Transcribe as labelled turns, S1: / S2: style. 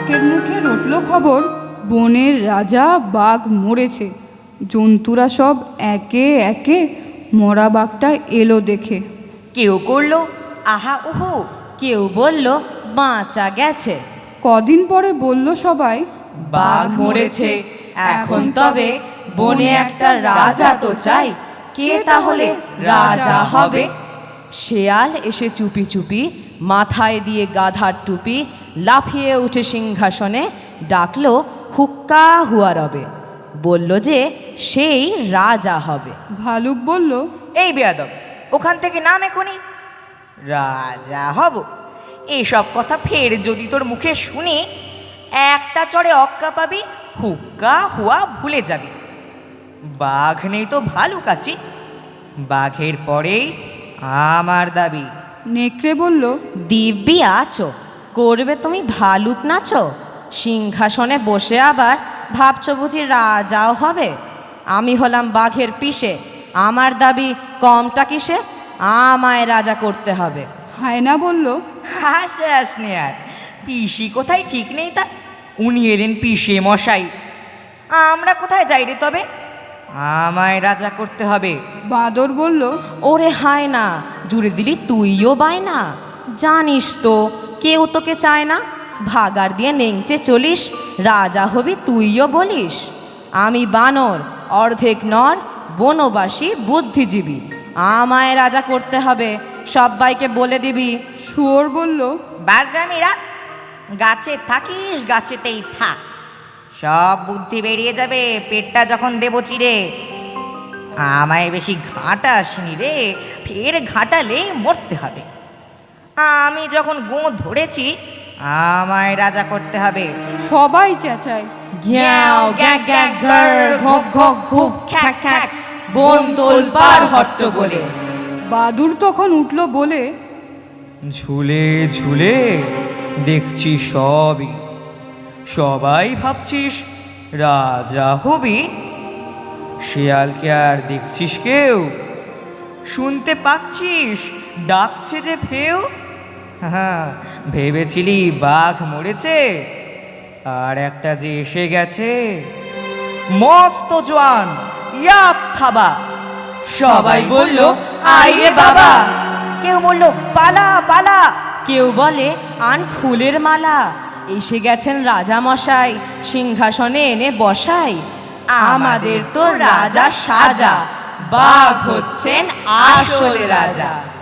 S1: কাকের মুখে রটল খবর, বনের রাজা বাঘ মরেছে। জন্তুরা সব একে একে মরা বাঘটা এলো দেখে।
S2: কেউ করলো আহা উহু,
S3: কেউ বলল বাঁচা গেছে।
S1: কদিন পরে বলল সবাই,
S3: বাঘ মরেছে, এখন তবে বনে একটা রাজা তো চাই। কে তাহলে রাজা হবে? শেয়াল এসে চুপি চুপি মাথায় দিয়ে গাধার টুপি লাফিয়ে উঠে সিংহাসনে ডাকলো হুক্কা হুয়া রবে, বলল যে সেই রাজা হবে।
S1: ভালুক বলল,
S2: এই বেয়াদব, ওখান থেকে নাম এখনই। রাজা হব এইসব কথা ফের যদি তোর মুখে শুনি, একটা চড়ে অক্কা পাবি, হুক্কা হুয়া ভুলে যাবি। বাঘ নেই তো ভালুক আছি, বাঘের পরেই আমার দাবি।
S1: নেকড়ে বলল,
S3: দিব্যি আছো, করবে তুমি ভালুক নাচো? সিংহাসনে বসে আবার ভাবছো বুঝি রাজাও হবে? আমি হলাম বাঘের পিসে, আমার দাবি কমটা কিসে? আমায় রাজা করতে হবে।
S1: হায়না বলল,
S2: হাস নে আর, পিসি কোথায় ঠিক নেই তা, উনি এলেন পিসে মশাই। আমরা কোথায় যাই রে তবে? আমায় রাজা করতে হবে।
S1: বাঁদর বলল,
S3: ওরে হায় না, জুড়ে দিলি তুইও বাই না। জানিস তো কেউ তোকে চায় না, ভাগার দিয়ে নেংচে চলিস, রাজা হবি তুইও বলিস। আমি বানর, অর্ধেক নর, বনবাসী, বুদ্ধিজীবী, আমায় রাজা করতে হবে, সব্বাইকে বলে দিবি।
S1: শুয়োর বলল,
S2: বাজরামিরা, গাছে থাকিস গাছেতেই থাক, সব বুদ্ধি বেরিয়ে যাবে পেটটা যখন দেবো চিরে। আমায় বেশি ঘাঁটাসনি রে, ফের ঘাঁটালে মরতে হবে। আমি যখন গো ধরেছি, আমায় রাজা করতে হবে।
S1: সবাই চেঁচায়।
S3: গ্যাও গ্যাক গ্যাক ঘর, ঘক ঘক ঘুপ খ্যাক খ্যাক, বন তোলপাড় হট্টগোলে।
S1: বাদুর তখন উঠল বলে,
S4: ঝুলে ঝুলে দেখছি সবই, সবাই ভাবছিস রাজা হবি। শিয়ালকে আর দেখছিস কেউ? শুনতে পাচ্ছিস ডাকছে যে ফেউ? হ্যাঁ, ভেবেছিলি বাঘ মরেছে, আর একটা যে এসে গেছে মস্ত জোয়ান, ইয়াক থাবা।
S3: সবাই বলল আয় রে বাবা,
S2: কেউ বললো পালা পালা,
S3: কেউ বলে আন ফুলের মালা। এসে গেছেন রাজা মশাই, সিংহাসনে এনে বসাই। আমাদের তো রাজা সাজা, বাঘ হচ্ছেন আসল রাজা।